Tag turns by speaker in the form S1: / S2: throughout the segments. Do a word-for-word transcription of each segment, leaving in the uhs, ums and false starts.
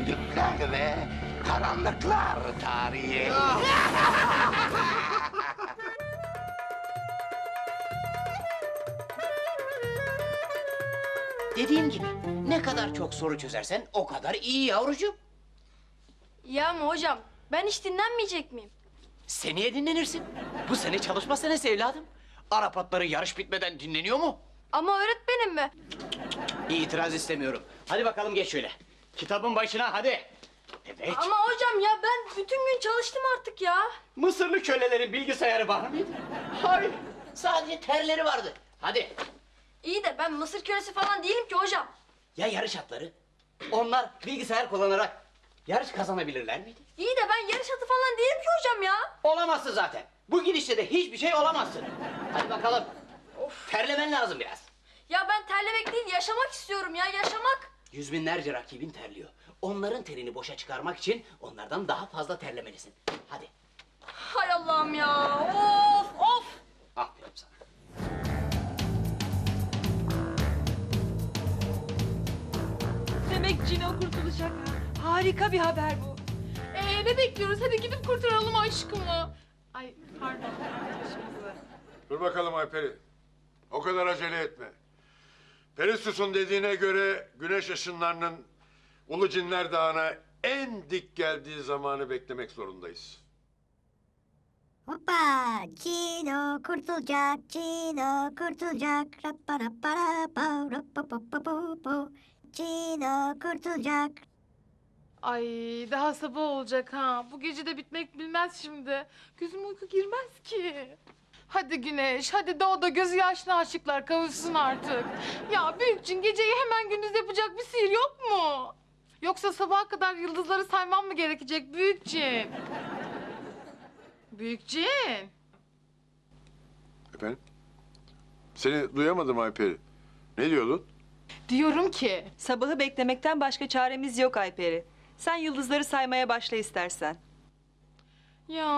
S1: düdükler ve karanlıklar tarihi. Dediğim gibi ne kadar çok soru çözersen o kadar iyi yavrucuğum.
S2: Ya ama hocam ben hiç dinlenmeyecek miyim?
S1: Seneye dinlenirsin. Bu sene çalışma senesi evladım. Arap atları yarış bitmeden dinleniyor mu?
S2: Ama öğretmenim mi?
S1: İtiraz istemiyorum. Hadi bakalım geç şöyle. Kitabın başına hadi. Evet.
S2: Ama hocam ya ben bütün gün çalıştım artık ya.
S1: Mısırlı kölelerin bilgisayarı var mıydı? Hayır. Sadece terleri vardı. Hadi.
S2: İyi de ben Mısır kölesi falan değilim ki hocam.
S1: Ya yarış atları? Onlar bilgisayar kullanarak yarış kazanabilirler miydi?
S2: İyi de ben yarış atı falan değilim ki hocam ya.
S1: Olamazsın zaten. Bu gidişle de hiçbir şey olamazsın. Hadi bakalım. Of. Terlemen lazım biraz.
S2: Ya ben terlemek değil yaşamak istiyorum ya yaşamak.
S1: Yüz binlerce rakibin terliyor. Onların terini boşa çıkarmak için onlardan daha fazla terlemelisin. Hadi.
S2: Hay Allah'ım ya of of.
S1: Aferin sana.
S3: Demek Cino kurtulacak ha. Harika bir haber bu.
S4: Ee, ne bekliyoruz? Hadi gidip kurtaralım aşkımı. Ay pardon. Aşkımızı.
S5: Dur bakalım Ayperi. O kadar acele etme. Perissus'un dediğine göre güneş ışınlarının Ulu Cinler Dağı'na en dik geldiği zamanı beklemek zorundayız.
S6: Hoppa! Cino kurtulacak, Cino kurtulacak. Rapparapparapa, rappapapapapo. Cino kurtulacak.
S4: Ay daha sabah olacak ha. Bu gece de bitmek bilmez şimdi. Gözüm uyku girmez ki. Hadi Güneş, hadi doğuda gözü yaşlı aşıklar kavuşsun artık. Ya Büyükçin geceyi hemen gündüz yapacak bir sihir yok mu? Yoksa sabaha kadar yıldızları saymam mı gerekecek Büyükçin? Büyükçin.
S5: Efendim? Seni duyamadım Ayperi. Ne diyordun?
S4: Diyorum ki.
S3: Sabahı beklemekten başka çaremiz yok Ayperi. Sen yıldızları saymaya başla istersen.
S4: Ya.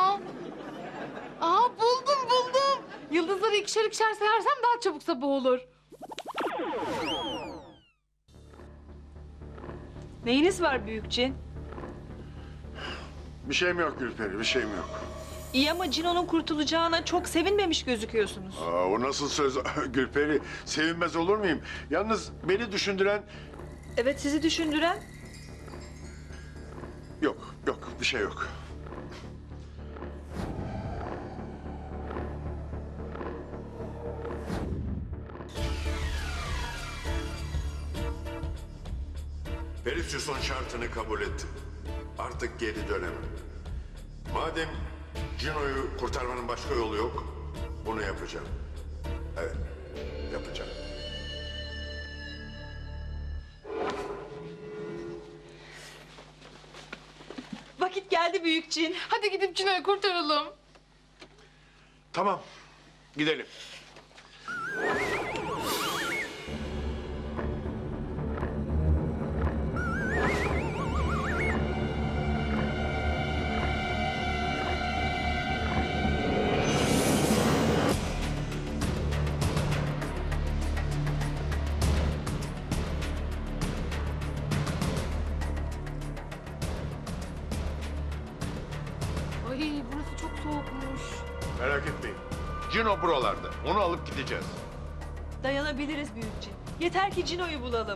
S4: Aa buldum buldum. Yıldızları ikişer ikişer sayarsam daha çabuk sabah olur.
S3: Neyiniz var Büyükçin?
S5: Bir şeyim yok Gülperi, bir şeyim yok.
S3: İyi ama Cino'nun kurtulacağına çok sevinmemiş gözüküyorsunuz.
S5: Aa, o nasıl söz Gülperi? Sevinmez olur muyum? Yalnız beni düşündüren...
S3: Evet, sizi düşündüren?
S5: Yok, yok, bir şey yok. Perseus'un şartını kabul ettim. Artık geri dönemem. Madem Cino'yu kurtarmanın başka yolu yok, bunu yapacağım. Evet, yapacağım.
S3: Vakit geldi Büyükçin.
S4: Hadi gidip Cino'yu kurtaralım.
S5: Tamam, gidelim.
S4: Ay burası çok soğukmuş.
S5: Merak etmeyin. Cino buralarda. Onu alıp gideceğiz.
S3: Dayanabiliriz Büyükçin. Yeter ki Cino'yu bulalım.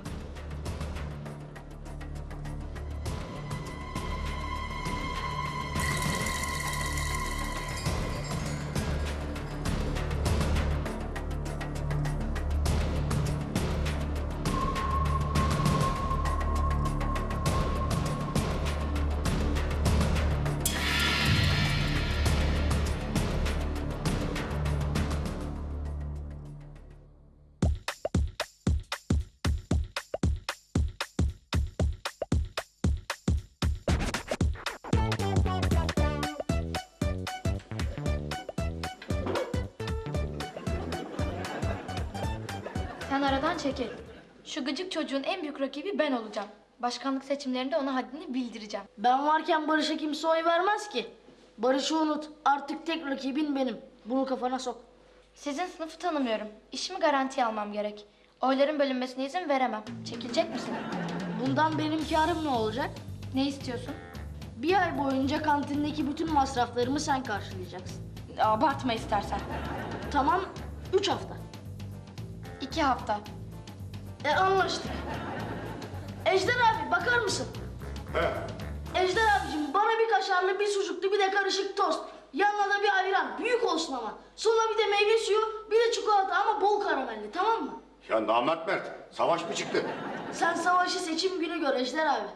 S7: Sen aradan çekil. Şu gıcık çocuğun en büyük rakibi ben olacağım. Başkanlık seçimlerinde ona haddini bildireceğim.
S8: Ben varken Barış'a kimse oy vermez ki. Barış'ı unut. Artık tek rakibin benim. Bunu kafana sok.
S7: Sizin sınıfı tanımıyorum. İşimi garantiye almam gerek. Oyların bölünmesine izin veremem. Çekilecek misin?
S8: Bundan benim karım ne olacak?
S7: Ne istiyorsun?
S8: Bir ay boyunca kantindeki bütün masraflarımı sen karşılayacaksın.
S7: Abartma istersen.
S8: Tamam, üç hafta.
S7: İki hafta.
S8: E anlaştık. Ejder abi bakar mısın?
S5: He.
S8: Ejder abicim bana bir kaşarlı, bir sucuklu, bir de karışık tost. Yanına da bir ayran, büyük olsun ama. Sonra bir de meyve suyu, bir de çikolata ama bol karamelli, tamam mı?
S5: Ya namert Mert, savaş mı çıktı?
S8: Sen savaşı seçim günü gör Ejder abi.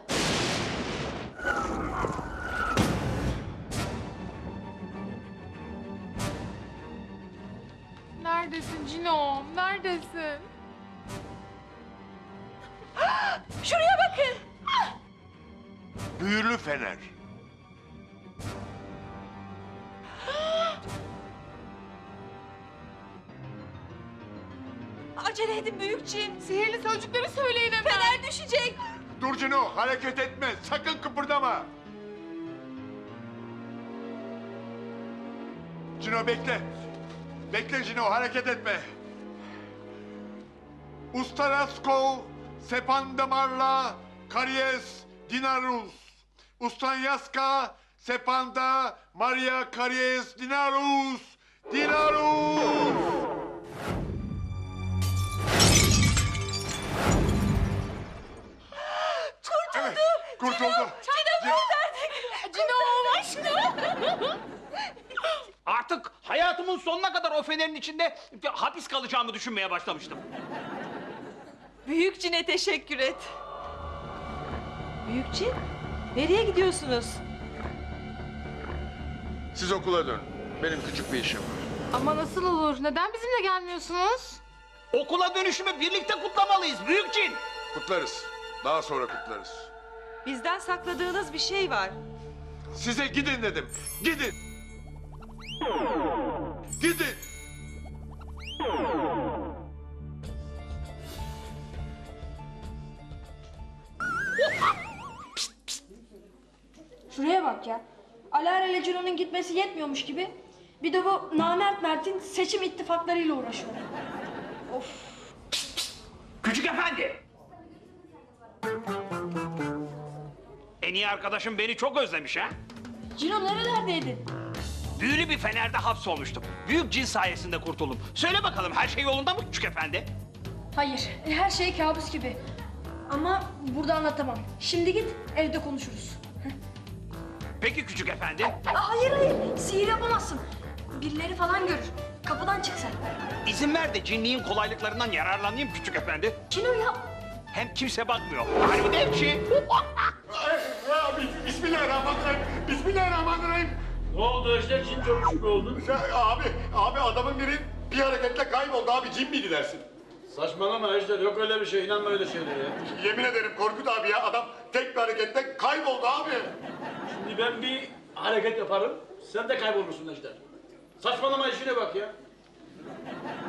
S4: Neredesin Cino? Neredesin?
S3: Şuraya bakın.
S5: Büyülü fener.
S3: Acele edin büyük cin.
S4: Sihirli sözcükleri söyleyin hemen.
S3: Fener düşecek.
S5: Dur Cino, hareket etme, sakın kıpırdama. Cino bekle. Bekle Cino, hareket etme. Ustaraskov, Sepandamarla, Karies, Dinarus. Ustanyaska, Sepanda, Maria Karies, Dinarus. Dinarus! Evet, kurtuldu.
S4: Cino aşkım.
S1: Artık hayatımın sonuna kadar o fenerin içinde hapis kalacağımı düşünmeye başlamıştım.
S3: Büyük cine teşekkür et. Büyük cin, nereye gidiyorsunuz?
S5: Siz okula dönün. Benim küçük bir işim var.
S4: Ama nasıl olur? Neden bizimle gelmiyorsunuz?
S1: Okula dönüşümü birlikte kutlamalıyız büyük cin.
S5: Kutlarız. Daha sonra kutlarız.
S3: Bizden sakladığınız bir şey var.
S5: Size gidin dedim. Gidin. Gidin.
S7: Şuraya bak ya. Alara ile Cino'nun gitmesi yetmiyormuş gibi. Bir de bu namert Mert'in seçim ittifaklarıyla uğraşıyor. Of.
S1: Küçük efendi. En iyi arkadaşım beni çok özlemiş ha.
S7: Cino nerelerdeydin?
S1: Büyülü bir fenerde hapsolmuştum. Büyük cin sayesinde kurtuldum. Söyle bakalım her şey yolunda mı küçük efendi?
S7: Hayır, her şey kabus gibi. Ama burada anlatamam. Şimdi git, evde konuşuruz.
S1: Peki küçük efendi.
S7: Aa, hayır hayır, sihir yapamazsın. Birileri falan görür. Kapıdan çık sen.
S1: İzin ver de cinliğin kolaylıklarından yararlanayım küçük efendi.
S7: Cino ya.
S1: Hem kimse bakmıyor. Harbi de bir şey.
S5: Abi, Bismillahirrahmanirrahim. Bismillahirrahmanirrahim.
S9: Ne oldu Ejder? Cin görmüş mü oldun?
S5: Ya, abi, abi adamın biri bir hareketle kayboldu abi. Cin miydi dersin?
S9: Saçmalama Ejder. Yok öyle bir şey. İnanma öyle şeylere ya.
S5: Yemin ederim Korkut abi ya. Adam tek bir hareketle kayboldu abi.
S9: Şimdi ben bir hareket yaparım. Sen de kaybolursun Ejder. Saçmalama işine bak ya.